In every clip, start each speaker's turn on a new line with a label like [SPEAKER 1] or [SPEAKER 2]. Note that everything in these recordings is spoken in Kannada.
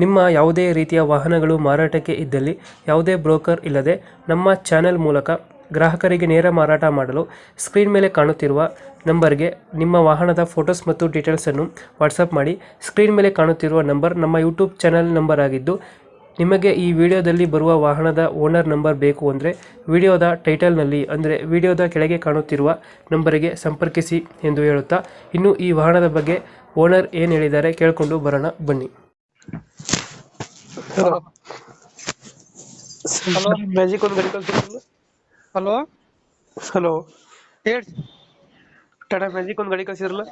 [SPEAKER 1] ನಿಮ್ಮ ಯಾವುದೇ ರೀತಿಯ ವಾಹನಗಳು ಮಾರಾಟಕ್ಕೆ ಇದ್ದಲ್ಲಿ ಯಾವುದೇ ಬ್ರೋಕರ್ ಇಲ್ಲದೆ ನಮ್ಮ ಚಾನೆಲ್ ಮೂಲಕ ಗ್ರಾಹಕರಿಗೆ ನೇರ ಮಾರಾಟ ಮಾಡಲು ಸ್ಕ್ರೀನ್ ಮೇಲೆ ಕಾಣುತ್ತಿರುವ ನಂಬರ್ಗೆ ನಿಮ್ಮ ವಾಹನದ ಫೋಟೋಸ್ ಮತ್ತು ಡೀಟೇಲ್ಸನ್ನು ವಾಟ್ಸಪ್ ಮಾಡಿ. ಸ್ಕ್ರೀನ್ ಮೇಲೆ ಕಾಣುತ್ತಿರುವ ನಂಬರ್ ನಮ್ಮ ಯೂಟ್ಯೂಬ್ ಚಾನೆಲ್ ನಂಬರ್ ಆಗಿದ್ದು, ನಿಮಗೆ ಈ ವಿಡಿಯೋದಲ್ಲಿ ಬರುವ ವಾಹನದ ಓನರ್ ನಂಬರ್ ಬೇಕು ಅಂದರೆ ವಿಡಿಯೋದ ಟೈಟಲ್ನಲ್ಲಿ ಅಂದರೆ ವಿಡಿಯೋದ ಕೆಳಗೆ ಕಾಣುತ್ತಿರುವ ನಂಬರಿಗೆ ಸಂಪರ್ಕಿಸಿ ಎಂದು ಹೇಳುತ್ತಾ, ಇನ್ನು ಈ ವಾಹನದ ಬಗ್ಗೆ ಓನರ್ ಏನು ಹೇಳಿದ್ದಾರೆ ಕೇಳಿಕೊಂಡು ಬರೋಣ ಬನ್ನಿ.
[SPEAKER 2] ಹಲೋ ಹಲೋ
[SPEAKER 1] ಮ್ಯಾಜಿಕ್ ಒಂದು ಗಾಡಿ ಕಳಿಸಿರಲ್ಲ.
[SPEAKER 2] ಹಲೋ
[SPEAKER 1] ಹಲೋ,
[SPEAKER 2] ಹೇಳಿ
[SPEAKER 1] ಟಾಟಾ ಮ್ಯಾಜಿಕ್ ಒಂದು ಗಾಡಿ ಕಳಿಸಿರಲ್ಲ.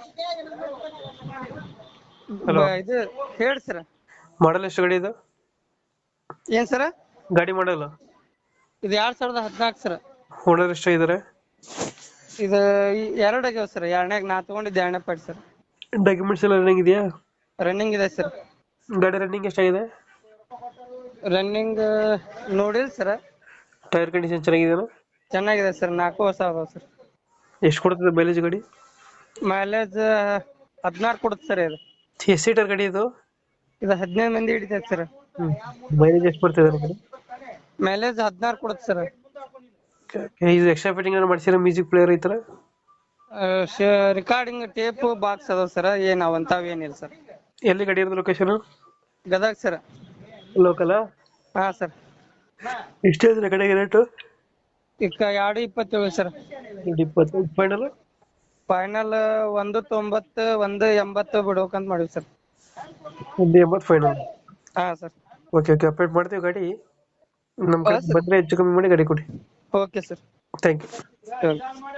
[SPEAKER 1] ಹಲೋ,
[SPEAKER 2] ಇದು ಹೇಳಿ ಸರ.
[SPEAKER 1] ಮಾಡಲ್ ಎಷ್ಟು ಗಾಡಿ ಇದು?
[SPEAKER 2] ಏನ್ ಸರ?
[SPEAKER 1] ಗಾಡಿ ಮಾಡಲ್ಲ.
[SPEAKER 2] ಇದು 2014 ಸರ.
[SPEAKER 1] ಓನರ್ ಎಷ್ಟಾಗಿದ್ದಾರೆ?
[SPEAKER 2] ಇದು ಎರಡು ಆಗ್ಯಾವ ಸರ್. ಎರಡನೇಗ್ ನಾ ತಗೊಂಡಿದ್ದೆ, ಎರಡನೇ ಪಾರ್ಟಿ ಸರ್.
[SPEAKER 1] ಡಾಕ್ಯುಮೆಂಟ್ಸ್ ಎಲ್ಲ ರನ್ನಿಂಗ್ ಇದೆಯಾ?
[SPEAKER 2] ರನ್ನಿಂಗ್ ಇದೆ ಸರ್.
[SPEAKER 1] ಗಾಡಿ ರನ್ನಿಂಗ್ ಎಷ್ಟಾಗಿದೆ?
[SPEAKER 2] ರನ್ನಿಂಗ್ ನೋಡಿಲ್ಲ ಸರ್.
[SPEAKER 1] ಟೈರ್ ಕಂಡೀಷನ್ ಚೆನ್ನಾಗಿದೆಯಾ?
[SPEAKER 2] ಚೆನ್ನಾಗಿದೆ ಸರ್. 4 ಹೊಸ ಅದಾವ ಸರ್.
[SPEAKER 1] ಎಷ್ಟು ಕೊಡ್ತದೆ ಮೈಲೇಜ್ ಗಾಡಿ?
[SPEAKER 2] ಮೈಲೇಜ್ 16 ಕೊಡುತ್ತೆ ಸರ್. ಇದು
[SPEAKER 1] ಎಷ್ಟು ಸೀಟರ್ ಗಾಡಿ ಇದು?
[SPEAKER 2] ಇದು 15 ಮಂದಿ ಹಿಡಿತೈತೆ ಸರ್.
[SPEAKER 1] ಮೈಲೇಜ್ ಎಷ್ಟು ಬರ್ತಿದೆ ನಿಮಗೆ?
[SPEAKER 2] ಮೈಲೇಜ್ 16 ಕೊಡುತ್ತೆ ಸರ್.
[SPEAKER 1] ಇದು ಎಕ್ಸ್ಟ್ರಾ ಫಿಟ್ಟಿಂಗ್ ಏನಾದ್ರು ಮಾಡ್ಸಿರೋ ಮ್ಯೂಸಿಕ್ ಪ್ಲೇಯರ್ ಈ ತರ?
[SPEAKER 2] ರಿಕಾರ್ಡಿಂಗ್ ಟೇಪ್ ಬಾಕ್ಸ್ ಅದಾವ ಸರ್. ಏನ್ ಅವಂತಾವ್ ಏನಿಲ್ಲ ಸರ್.
[SPEAKER 1] ಎಲ್ಲಿ ಗಾಡಿ ಇರೋದು ಲೊಕೇಶನ್?
[SPEAKER 2] ಗದಗ ಸರ್.
[SPEAKER 1] ಲೋಕಲ್?
[SPEAKER 2] ಹಾ ಸರ್.
[SPEAKER 1] ಎಷ್ಟು ಹೇಳಿದ್ರೆ ಗಾಡಿಗೆ ರೇಟು?
[SPEAKER 2] ಈಗ 2.27 ಸರ್.
[SPEAKER 1] 20 ಫೈನಲ್?
[SPEAKER 2] ಫೈನಲ್ 1.90 1.80 ಬಿಡ್ಬೇಕಂತ ಮಾಡಿವಿ ಸರ್.
[SPEAKER 1] 1.80 ಫೈನಲ್?
[SPEAKER 2] ಹಾ ಸರ್.
[SPEAKER 1] ಓಕೆ ಓಕೆ, ಅಪ್ಡೇಟ್ ಮಾಡ್ತೀವಿ ಗಾಡಿ. ನಮ್ಮ ಕಡೆ ಬಂದರೆ ಹೆಚ್ಚು ಕಮ್ಮಿ ಮಾಡಿ ಗಾಡಿ ಕೊಡಿ.
[SPEAKER 2] Okay sir.
[SPEAKER 1] Thank you.